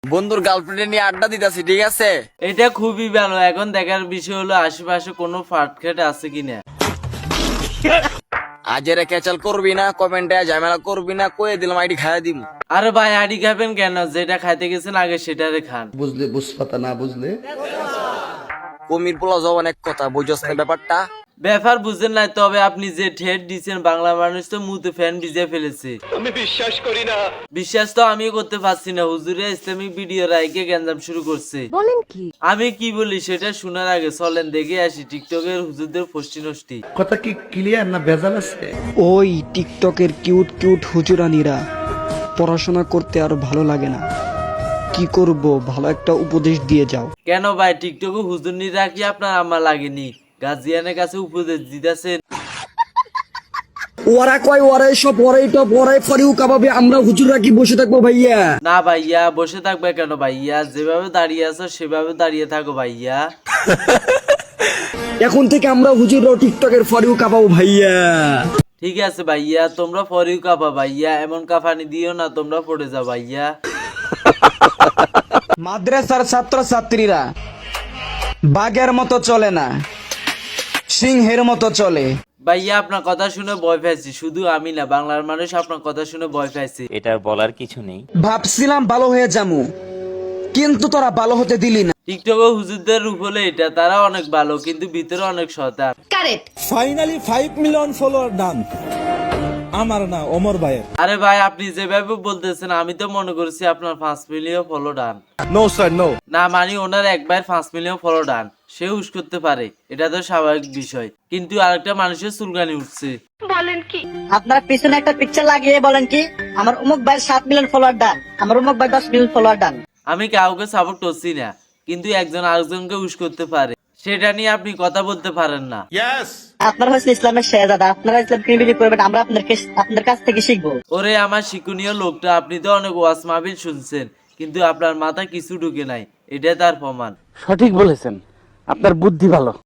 বন্ধুর গার্লফ্রেন্ড নিয়ে আড্ডা দিতেছি, ঠিক আছে? এটা খুবই ভালো। এখন দেখার বিষয় হলো আশেপাশে কোনো ফাটখাট আছে কিনা। আজেরে ক্যাচাল করবি না, কমেন্টে ঝামেলা করবি না, কয়ে দিলাম আইডি খাইয়া দিম। আরে ভাই আড়ি খাবেন কেন? যেটা খাইতে গেছেন আগে সেটারে খান। বুঝলে বুঝপাতা না বুঝলে কমির পোলা জবান এক কথা, বুঝছস না ব্যাপারটা? ব্যাপার বুঝেন নাই, তবে আপনি যে ঠেট দিচ্ছেন বাংলা মানুষ তো মুতে ফ্যান ভিজে ফেলেছে। আমি বিশ্বাস করি না। বিশ্বাস তো আমিও করতে পারছি না। হুজুরে ইসলামিক ভিডিও রাইকে গ্যাঞ্জাম শুরু করছে। বলেন কি? আমি কি বলি সেটা শোনার আগে চলেন দেখে আসি টিকটকের হুজুরদের ফষ্টি নষ্টি। কথা কি ক্লিয়ার না ভেজাল আছে? ওই টিকটকের কিউট কিউট হুজুরানিরা পড়াশোনা করতে আর ভালো লাগে না, কি করব? ভালো একটা উপদেশ দিয়ে যাও। কেন ভাই, টিকটকে হুজুর নিরা কি আপনার আমার লাগেনি? গার্জিয়ানের কাছে উপদেশ দিতেছেন। ওরা কয় ওরা সব ওরাই টপ ওরাই ফরিউ কাবাবে, আমরা হুজুররা কি বসে থাকবো ভাইয়া? না ভাইয়া, বসে থাকবে কেন ভাইয়া? যেভাবে দাঁড়িয়ে আছো সেভাবে দাঁড়িয়ে থাকো ভাইয়া। এখন থেকে আমরা হুজুররাও টিকটকের ফরিউ কাবাবো ভাইয়া। ঠিক আছে ভাইয়া, তোমরা ফরিউ কাপা ভাইয়া, এমন কাফানি দিও না তোমরা পড়ে যাও ভাইয়া। মাদ্রাসার ছাত্র ছাত্রীরা বাঘের মতো চলে না, সিংহের মতো চলে। ভাইয়া আপনার কথা শুনে ভয় পাইছি, শুধু আমি না বাংলার মানুষ আপনার কথা শুনে ভয় পাইছি। এটা বলার কিছু নেই। ভাবছিলাম ভালো হয়ে যামু, কিন্তু তোরা ভালো হতে দিলি না। টিকটকে হুজুরদের রূপ হলে এটা, তারা অনেক ভালো কিন্তু ভিতরে অনেক শয়তান। Correct. Finally 5 million follower done. আমার না ওমর ভাইয়ের। আরে ভাই আপনি যেভাবে বলতেছেন আমি তো মনে করছি আপনার 5 million follow done. No sir no. না মানে ওনার একবার 5 মিলিয়ন ফলো ডান, সে হুশ করতে পারে, এটা তো স্বাভাবিক বিষয়। কিন্তু আরেকটা মানুষের চুলকানি উঠছে। আপনার পিছনে একটা পিকচার লাগিয়ে বলেন কি আমার অমুক ভাই 7 মিলিয়ন ফলোয়ার ডান, আমার অমুক ভাই 10 মিলিয়ন ফলোয়ার ডান। আমি কাউকে সাপোর্ট করছি না, কিন্তু একজন আরেকজনকে হুশ করতে পারে, সেটা নিয়ে আপনি কথা বলতে পারেন না। আপনারা হচ্ছে ইসলামের শেহজাদা, আপনারা ইসলাম কিভাবে করবেন আমরা আপনাদের কাছ থেকে শিখবো। ওরে আমার শিক্ষণীয় লোকটা, আপনি তো অনেক ওয়াজ মাহফিল শুনছেন কিন্তু আপনার মাথা কিছু ঢুকে নাই, এটা তার প্রমাণ। সঠিক বলেছেন, আপনার বুদ্ধি ভালো।